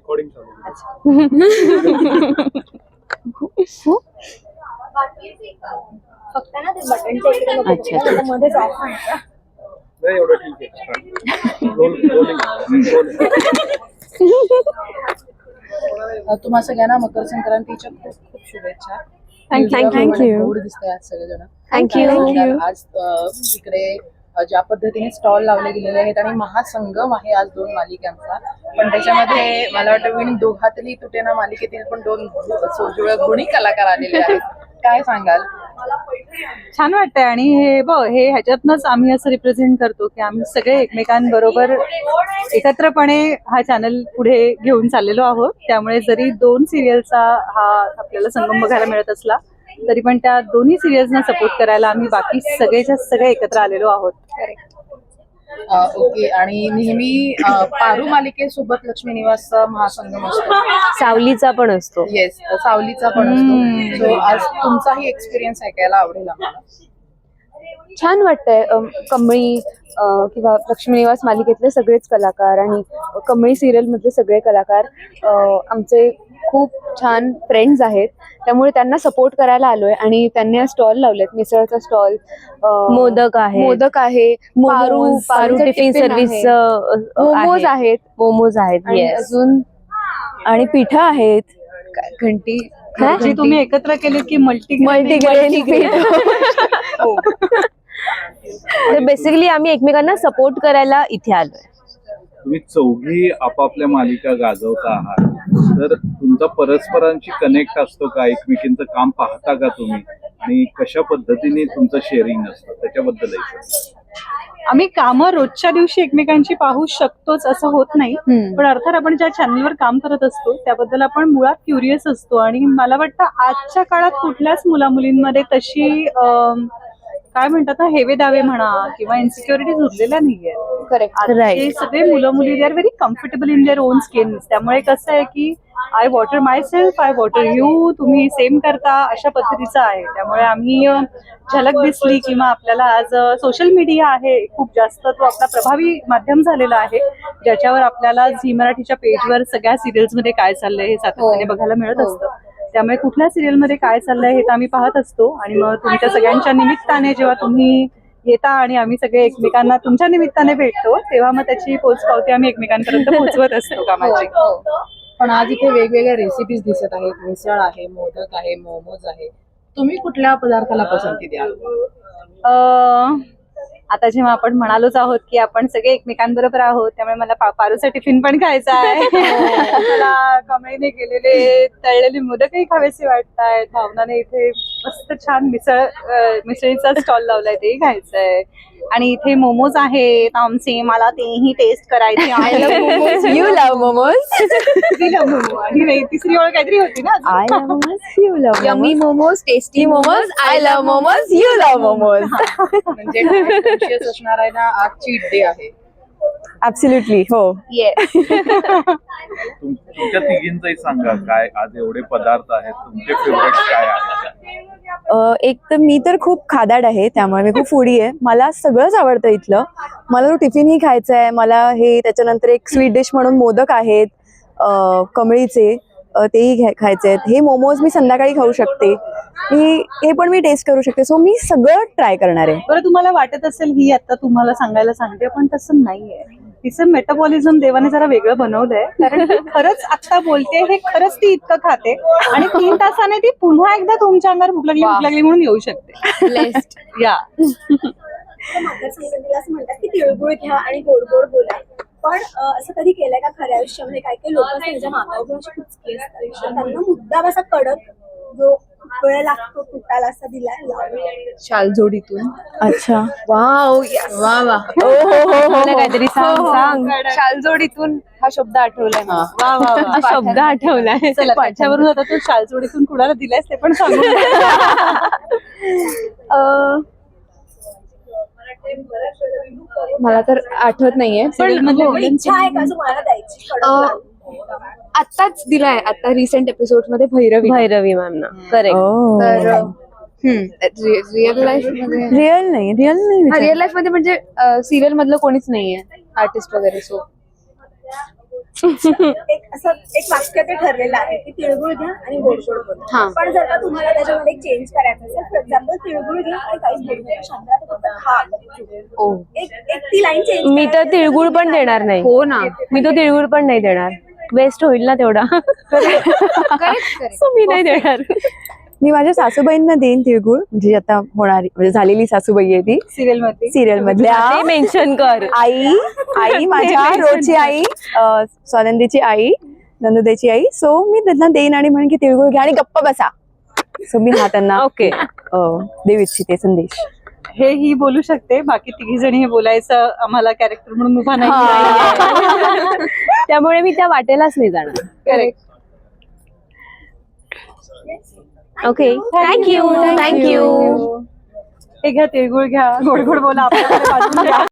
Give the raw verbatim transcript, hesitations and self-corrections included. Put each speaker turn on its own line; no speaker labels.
Recording चालू आहे.
फक्त ना ते बटनच्या इकडे नको
अच्छा.
करू, आता मध्येच ऑफ व्हायचं.
नाही एवढं ठीक आहे. रोल रोलिंग रोल
तुम्हा सगळ्यांना मकर संक्रांतीच्या खूप खूप शुभेच्छा.
Thank you.
Thank
Thank you.
गोड दिसतंय आज सगळेजण.
Thank you.
कारण
Thank you.
आज अ, इकडे अ, ज्या पद्धतीने स्टॉल लावले गेलेले आहेत आणि महासंगम आहे आज दोन मालिकांचा, पण त्याच्यामध्ये मला वाटतं विण दोघातली तुटेना मालिकेतील पण दोन सोजुळ गुणी कलाकार आलेले आहेत. काय सांगाल?
छान वाटतंय. आणि हे बघ, हे ह्याच्यातनच आम्ही असं रिप्रेझेंट करतो की आम्ही सगळे एकमेकांबरोबर एकत्रपणे हा चॅनल पुढे घेऊन चाललेलो आहोत. त्यामुळे जरी दोन सिरियलचा हा आपल्याला संगम बघायला मिळत असला तरी पण त्या दोन्ही सिरियल्सना सपोर्ट करायला आम्ही बाकी सगळेच्या सगळे एकत्र आलेलो आहोत.
अ, ओके. आणि नेहमी अ, पारू मालिकेसोबत लक्ष्मी निवासचा महासंगम असतो.
सावलीचा पण असतो.
येस, सावलीचा पण असतो. सो आज तुमचाही एक्सपिरियन्स ऐकायला आवडेल आम्हाला.
छान वाटतंय. अम, कमळी अ, किंवा लक्ष्मी निवास मालिकेतले सगळेच कलाकार आणि कमळी सिरियल मधले सगळे कलाकार अ, आमचे खूप छान फ्रेंड्स आहेत. त्यामुळे त्यांना सपोर्ट करायला आलोय आणि त्यांनी स्टॉल लावलेत. मिसळचा स्टॉल,
मोदक आहे,
मोदक आहे, पारू
मोमोज, पारू
पारूचं
टिफिन
टिफिन आहे,
सर्व्हिस,
मोमोज आहेत
मोमोज आहेत.
आणि
Yes.
अजून आणि पिठं आहेत. काय- घंटी
जी तुम्ही एकत्र केली की मल्टी
मल्टीग्रेन पीठ.
बेसिकली आम्ही एकमेकांना सपोर्ट करायला इथे आलोय.
तुम्ही चौघी आपापल्या मालिका गाजवता आहात, तर तुमचा परस्परांशी कनेक्ट असतो का? एकमेकींचं काम पाहता का तुम्ही? आणि कशा पद्धतीने तुमचं शेअरिंग असतं त्याच्याबद्दल
आम्ही कामं रोजच्या दिवशी एकमेकांची पाहू शकतोच असं होत नाही. पण अर्थात आपण ज्या चॅनलवर काम करत असतो त्याबद्दल आपण मुळात क्युरियस असतो. आणि मला वाटतं आजच्या काळात कुठल्याच मुला मुलींमध्ये तशी अं, काय म्हणतात ना, हेवे दावे म्हणा किंवा इन्सिक्युरिटीज उरलेल्या नाहीये.
करेक्ट.
हे सगळे मुलं मुली they are very comfortable in their own skin. त्यामुळे कसं आहे की I water myself, I water you, तुम्ही सेम करता, अशा पद्धतीचं आहे. त्यामुळे आम्ही अ, झलक दिसली किंवा आपल्याला आज सोशल मीडिया आहे खूप जास्त, तो आपला प्रभावी माध्यम झालेला आहे ज्याच्यावर आपल्याला झी मराठीच्या पेजवर सगळ्या सिरियल्समध्ये काय चाललंय हे सातत्याने बघायला मिळत असतं. त्यामुळे कुठल्या सिरियलमध्ये काय चाललंय हे तर आम्ही पाहत असतो. आणि मग तुमच्या सगळ्यांच्या निमित्ताने जेव्हा तुम्ही येता आणि आम्ही सगळे एकमेकांना तुमच्या निमित्ताने भेटतो तेव्हा मग त्याची पोचपावती आम्ही एकमेकांपर्यंत पोहोचवत असतो कामाची.
पण आज इथे वेगवेगळ्या रेसिपीज दिसत आहेत. मिसळ आहे, मोदक आहे, मोमोज आहे. तुम्ही कुठल्या पदार्थाला पसंती द्याल?
अं, आता जेव्हा आपण म्हणालोच आहोत की आपण सगळे एकमेकांबरोबर आहोत त्यामुळे मला पा- पारूचा टिफिन पण खायचा आहे. मला कमळीने केलेले तळलेले मोदकही खावेसे वाटतायत. भावनाने इथे मस्त छान मिसळ अं, मिसळीचा स्टॉल लावलाय तेही खायचंय. आणि इथे मोमोज आहेत आमचे, मला तेही टेस्ट करायचे आहे.
You love momos.
तिला मोमो आणि नाही, तिसरी ओळ काहीतरी होती ना
I love momos, you love yummy momos, tasty momos, I love momos, you love momos.
म्हणजे कॉन्शियस असणार आहे ना, आज चीट डे आहे.
ऍब्सोल्युटली. हो. येस.
तुम- तुमच्या तिघींचंही सांगा, काय आज एवढे पदार्थ आहेत, तुमचे फेवरेट काय आहेत?
एक तर मी तर खूप खादाड आहे, त्यामुळे मी खूप फूडी आहे. मला सगळंच आवडतं इथलं. मला तो टिफिनही खायचा आहे. मला हे त्याच्यानंतर एक स्वीट डिश म्हणून मोदक आहेत अ, कमळीचे, अ, तेही घ्या- खायचे आहेत. हे मोमोज मी संध्याकाळी खाऊ शकते. हे हे पण मी टेस्ट करू शकते. सो मी सगळं ट्राय करणार आहे.
बरं, तुम्हाला वाटत असेल ही आता तुम्हाला सांगायला सांगते पण तसं नाहीये. तिचं मेटाबॉलिझम देवाने जरा वेगळं बनवलंय. कारण ती खरंच आता बोलते हे खरंच ती इतकं खाते आणि तीन तासाने ती पुन्हा एकदा तुमच्या अंगावर भूक लागली भूक लागली म्हणून येऊ शकते. या
मकर संक्रांतीला असं म्हणतात की तिळगुळ घ्या आणि गोड गोड बोला. पण अ, असं कधी केलंय का खऱ्या आयुष्यामध्ये? काही काही लोक त्यांच्या मागावर अशी कुचकी असतात, त्यांना मुद्दाम असा कडक जो खूप वेळ लागतो तुटायला असा दिलाय
शालजोडीतून. अच्छा.
वाव, वा वा.
हो हो हो हो.
काहीतरी सांग सांग.
शालजोडीतून हा शब्द आठवलाय मला.
वा वा वा.
हा शब्द आठवलाय.
चला त्याच्यावरून आता तू शालजोडीतून कुणाला दिलायस ते पण सांगू.
अ, मला तर आठवत नाहीये पण हो,
इच्छा आहे का जो मला द्यायची कडक
अ,
लाडू?
आत्ताच दिलाय. आता रिसेंट एपिसोड मध्ये भैरवी.
भैरवी मॅम ना. करेक्ट.
तर रिअल लाईफ मध्ये रिअल नाही रिअल नाही रिअल लाईफ मध्ये म्हणजे सिरियल मधलं कोणीच नाहीये आर्टिस्ट वगैरे. सो
एक असं एक वाक्य ते ठरलेलं आहे की तिळगुळ घ्या आणि गोड गोड
हा.
बोला. पण जर का तुम्हाला त्याच्यामध्ये चेंज करायचं असेल, फॉर एक्झाम्पल तिळगुळ घ्या आणि काहीच बोलू नका, शांत राहा, फक्त खा.
ओ
एक एक ती लाईन चेंज
मी तर तिळगुळ पण देणार नाही.
हो ना.
मी तो तिळगुळ पण नाही देणार. वेस्ट होईल ना तेवढा. So मी नाही देणार.
मी माझ्या सासूबाईंना देईन तिळगुळ, म्हणजे आता होणारी म्हणजे झालेली सासूबाई आहे ती
सिरियल मध्ये
सिरियल मधल्या
ते मेन्शन कर.
आई आई माझ्या रोजची आई, अं, स्वानंदीची आई, नंदुदेची आई. सो मी त्यांना देईन आणि म्हणेन की तिळगुळ घ्या आणि गप्प बसा. सो मी हा त्यांना
ओके.
अं, देऊ इच्छिते संदेश.
हे ही बोलू शकते, बाकी तिघी जणी हे बोलायचं आम्हाला कॅरेक्टर म्हणून उभा नाही.
त्यामुळे मी त्या वाटेलाच नाही जाणार.
करेक्ट.
Okay thank you thank you.
हे घ्या तिळगुळ घ्या, गोड गोड बोला, आपल्याकडे वाजून घ्या.